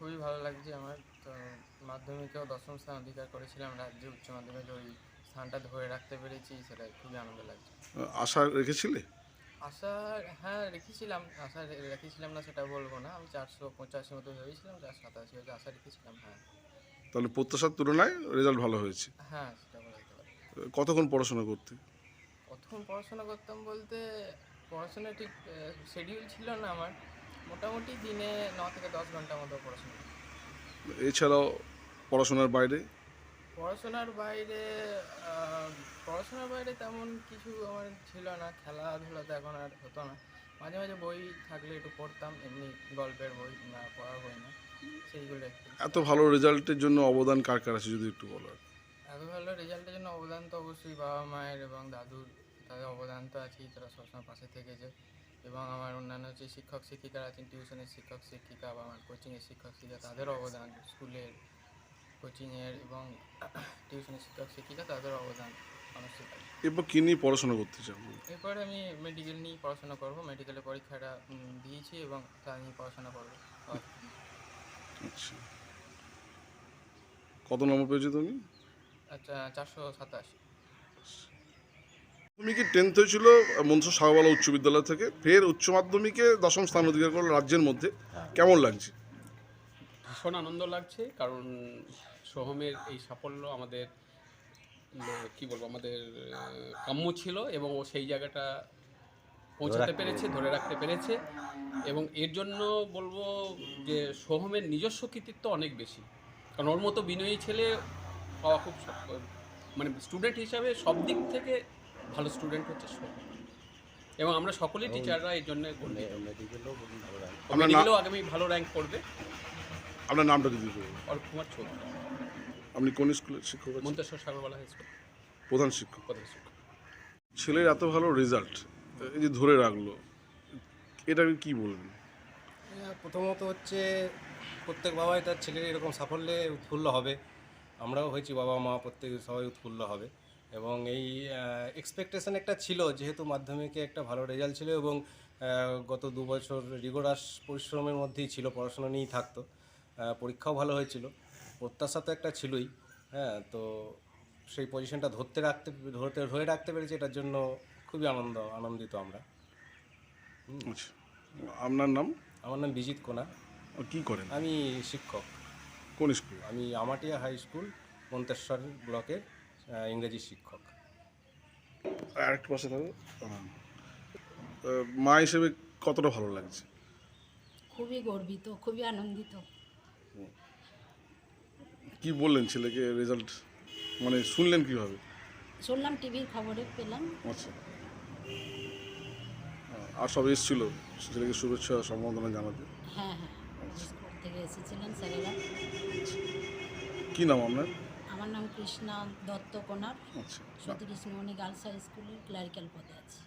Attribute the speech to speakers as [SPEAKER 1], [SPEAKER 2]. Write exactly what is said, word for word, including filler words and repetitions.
[SPEAKER 1] খুবই ভালো লাগছে আমার। তো মাধ্যমিকেও দশম স্থান অধিকার করেছিলাম, রাজ্যে উচ্চ মাধ্যমিকে ওই স্থানটা ধরে রাখতে পেরেছি, সেটাই খুবই আনন্দ লাগছে।
[SPEAKER 2] আশা রেখেছিলে?
[SPEAKER 1] আশা, হ্যাঁ রেখেছিলাম। আশা রে- রেখেছিলাম না সেটা বলবো না, আমি চারশো পঁচাশি মতো ভেবেছিলাম, চারশো সাতাশি হয়েছে, আশা রেখেছিলাম। হ্যাঁ,
[SPEAKER 2] তাহলে প্রত্যাশার তুলনায় রেজাল্ট ভালো হয়েছে।
[SPEAKER 1] হ্যাঁ সেটা বলা যেতে পারে।
[SPEAKER 2] কতক্ষণ পড়াশোনা করতে?
[SPEAKER 1] প্রথম পড়াশোনা করতাম বলতে, পড়াশোনা ঠিক শিডিউল ছিল না আমার, মোটামুটি দিনে ন থেকে দশ ঘন্টা মতো পড়াশোনা করতাম।
[SPEAKER 2] এছাড়াও পড়াশোনার বাইরে?
[SPEAKER 1] পড়াশোনার বাইরে আহ, পড়াশোনার বাইরে তেমন কিছু আমার ছিল না, খেলাধুলা তো এখন আর হতো না। মাঝে মাঝে বই থাকলে একটু পড়তাম, এমনি গল্পের বই না, পড়ার বই না, সেইগুলো একটু।
[SPEAKER 2] এত ভালো রেজাল্টের জন্য অবদান কার কার আছে যদি একটু বলো।
[SPEAKER 1] এত ভালো রেজাল্টের জন্য অবদান তো অবশ্যই বাবা মায়ের এবং দাদুর, তাদের অবদান তো আছেই, তারা সবসময় পাশে থেকেছে। এবং আমার অন্যান্য যে শিক্ষক শিক্ষিকারা আছেন, টিউশনের শিক্ষক শিক্ষিকা বা আমার কোচিংয়ের শিক্ষক শিক্ষিকা, তাদের অবদান, স্কুলের কোচিংয়ের এবং টিউশনের শিক্ষক শিক্ষিকা, তাদের অবদান অনস্বীকার্য।
[SPEAKER 2] এরপর কী নিয়ে পড়াশোনা করতে চাও?
[SPEAKER 1] এরপরে আমি মেডিকেল নিয়ে পড়াশোনা করব, মেডিকেলের পরীক্ষাটা উম, দিয়েছি এবং তা নিয়ে পড়াশোনা করবো।
[SPEAKER 2] আচ্ছা, কত নম্বর পেয়েছো তুমি?
[SPEAKER 1] আচ্ছা, চারশো সাতাশ।
[SPEAKER 2] মাধ্যমিকে টেন্থ হয়েছিল মনসা শাহওয়ালা উচ্চ বিদ্যালয় থেকে, ফের উচ্চ মাধ্যমিকে দশম স্থান অধিকার করলো রাজ্যের মধ্যে। কেমন লাগছে?
[SPEAKER 3] ভীষণ আনন্দ লাগছে, কারণ সোহমের এই সাফল্য আমাদের উম, কি বলবো, আমাদের আহ, কাম্য ছিল এবং ও সেই জায়গাটা পৌঁছাতে পেরেছে, ধরে রাখতে পেরেছে। এবং এর জন্য বলবো যে সোহমের নিজস্ব কৃতিত্ব অনেক বেশি, কারণ ওর মতো বিনয়ী ছেলে পাওয়া খুব শক্ত। মানে স্টুডেন্ট হিসাবে সব দিক থেকে ভালো স্টুডেন্ট হচ্ছে সোহম, এবং আমরা সকলেই টিচাররা এর জন্য গর্বিত। ও
[SPEAKER 2] আপনার না
[SPEAKER 3] মেডিকেলেও আগামী ভালো র্যাঙ্ক করবে।
[SPEAKER 2] আপনার নামটা যদি বলুন।
[SPEAKER 3] অর্ক কুমার চৌধুরী,
[SPEAKER 2] আপনি কোন স্কুলের শিক্ষক আছেন?
[SPEAKER 3] মন্তেশ্বর সাগরবালা হাই স্কুল,
[SPEAKER 2] প্রধান শিক্ষক।
[SPEAKER 3] প্রধান শিক্ষক।
[SPEAKER 2] ছেলের এত ভালো রেজাল্ট এই যে ধরে রাখলো, এটাকে কি বলবেন?
[SPEAKER 4] হ্যাঁ, প্রথমত হচ্ছে প্রত্যেক বাবাই তার ছেলের এরকম সাফল্যে উৎফুল্ল হবে। আমরাও হয়েছি বাবা মা, প্রত্যেক সবাই উৎফুল্ল হবে। এবং এই এক্সপেকটেশন একটা ছিল, যেহেতু মাধ্যমিকে একটা ভালো রেজাল্ট ছিল এবং আহ, গত দু বছর রিগোরাস পরিশ্রমের মধ্যেই ছিল, পড়াশোনা নিয়েই থাকতো। আহ, পরীক্ষাও ভালো হয়েছিল, প্রত্যাশা তো একটা ছিলই। হ্যাঁ, তো সেই পজিশনটা ধরতে রাখতে ধরতে ধরে রাখতে পেরেছি, এটার জন্য খুবই আনন্দ আনন্দিত আমরা।
[SPEAKER 2] আচ্ছা, আপনার নাম?
[SPEAKER 4] আমার নাম বিজিত কোনা,
[SPEAKER 2] আর কি করেন?
[SPEAKER 4] আমি শিক্ষক।
[SPEAKER 2] কোন স্কুল?
[SPEAKER 4] আমি আমাটিয়া হাই স্কুল, মন্তেশ্বর ব্লকের আহ, ইংরেজি শিক্ষক।
[SPEAKER 2] আরেকটু পাশে থাকো। আহ, মা হিসেবে কতটা ভালো লাগছে?
[SPEAKER 5] খুবই গর্বিত, খুবই আনন্দিত।
[SPEAKER 2] কি বললেন ছেলেকে রেজাল্ট, মানে শুনলেন কিভাবে?
[SPEAKER 5] শুনলাম টিভির খবরে পেলাম।
[SPEAKER 2] আচ্ছা, আর সব এসেছিল ছেলেকে শুভেচ্ছা সম্বর্ধনা জানাতে?
[SPEAKER 5] হ্যাঁ হ্যাঁ, স্কুল থেকে এসেছিলেন স্যারেরা।
[SPEAKER 2] কি নাম আপনার?
[SPEAKER 5] আমার নাম কৃষ্ণা দত্ত কোনার,
[SPEAKER 2] আচ্ছা,
[SPEAKER 5] সতীকৃষ্ণমণি গার্লস হাই স্কুলের ক্লারিক্যাল পদে আছি।